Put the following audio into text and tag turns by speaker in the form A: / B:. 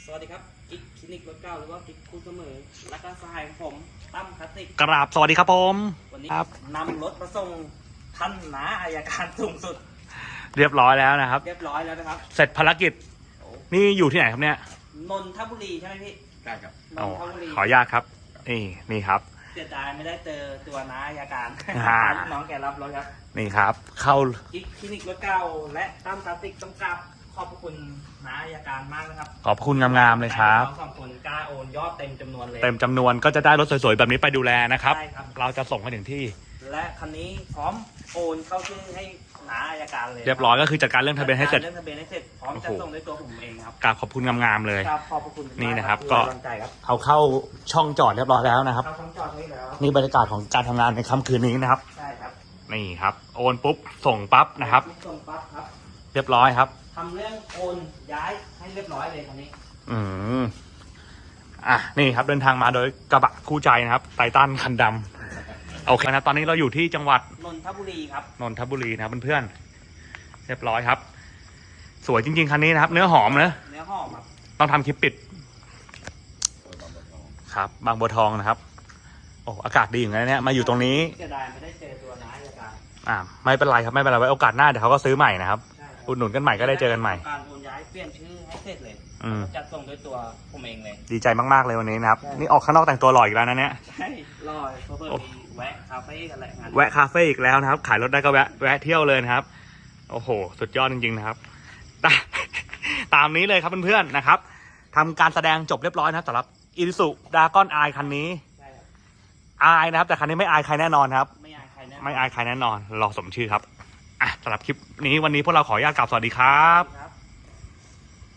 A: สวัสดีครับกิ๊กคลินิกรถเก่าหรือว่ากิ๊กคู่เสมอและก็สหายของผมตั้มคลาสสิก
B: กราบสวัสดีครับผม
A: วันนี้
B: ครับ
A: นำรถมาส่งท่านน้าอัยการสูงสุด
B: เรียบร้อยแล้วนะครับ
A: เรียบร้อยแล้วนะครับ
B: เสร็จภารกิจ
A: โอ้
B: นี่อยู่ที่ไหนครับเนี่ย
A: นนทบุรีใช่ไหมพี่
C: ใช่ครับ
A: น
B: โอ้
A: นทบุรี
B: ขออนุญาตครับนี่ครับ
A: เสียดายไม่ได้เจอตัวน้าอัยการ
B: อ่า
A: น้องแกรับรถครับ
B: นี่ครับ เข้า
A: กิ๊กคลินิกรถเก่าและตั้มคลาสสิกต้องกราบขอบพระคุณน้าอัยการมากนะครับ
B: ขอบคุณงามๆเลยครับ
A: น้องสองคนกล้าโอนยอดเต็มจำนวนเลย
B: เต็มจำนวนก็จะได้รถสวยๆแบบนี้ไปดูแลนะครับ
A: ใช่ครับ
B: เราจะส่งไปถึงที่
A: และคันนี้พร้อมโอนเข้าชื่อให้น้าอัยการเลย
B: เรียบร้อยก็คือจัดการเรื่องทะเบียนให้เสร็จ
A: เรื่องทะเบียนให้เสร็จพร้อมจะส่งด้วยตัวผมเองครับ
B: กราบขอบคุณงามๆเลย
A: ครับขอบพระคุณมาก
B: นี่นะครับ
A: ที่
B: ก็
A: ไว้วางใจครับ
B: เอาเข้าช่องจอดเรียบร้อยแล้วนะครับ
A: เข้าทั้งจอดให้แล้ว
B: นี่บรรยากาศของการทำงานในค่ำคืนนี้นะครับ
A: ใช่ครับ
B: นี่ครับ โอนปุ๊บส่งปั๊บนะครับ
A: ส่งปั๊บครับ
B: เรียบร้อยครับ
A: ทำเรื่องโอนย้ายให้เรียบร้อยเลยคันนี้
B: อืมนี่ครับเดินทางมาโดยกระบะคู่ใจนะครับไททันคันดำโอเคนะครับตอนนี้เราอยู่ที่จังหวัด
A: นนทบุรีครับ
B: นนทบุรีนะครับเพื่อนๆเรียบร้อยครับ สวยจริงๆคันนี้นะครับ เนื้อหอมนะ
A: เนื้อหอมครับ
B: ต้องทำคลิปปิดครับบางบัวทองนะครับ โอ้อากาศดีอย่างนี้เนี่ยมาอยู่ตรงนี้
A: เสียดายไม่ได้เจอตัวน้าอัยการ
B: ไม่เป็นไรครับไม่เป็นไรไว้โอกาสหน้าเดี๋ยวเขาก็ซื้อใหม่นะครับ
A: ใช่ครับ
B: อุดหนุนกันใหม่ก็ได้เจอกันใหม่
A: การโอนย้ายเปลี่ยนชื่อให้เสร็จเลย
B: อืม
A: จัดส่งด้วยตัวผมเองเลย
B: ดีใจมากๆเลยวันนี้นะครับ
A: ใช่
B: นี่ออกข้างนอกแต่งตัวหล่ออีกแล้วนะเนี่ย
A: ใช่รอเพื่อมีแวะคาเฟ่กันแหละงาน
B: แวะคาเฟ่อีกแล้วนะครับ ขายรถได้ก็แวะเที่ยวเลยนะครับ โอ้โห สุดยอดจริงๆนะครับ ตามนี้เลยครับเพื่อนๆนะครับทำการแสดงจบเรียบร้อยนะครับสำหรับอิซูซุดากอนไอคันนี้
A: ใช่ครับ
B: อายนะครับ แต่คันนี้ไม่อายใครแน่นอนครับ
A: ไม่อายใครแน่
B: ไม่อายใครแน่นอนรอสมชื่อครับสำหรับคลิปนี้วันนี้พวกเราขออนุญาตกล่าวสวัสดีครับ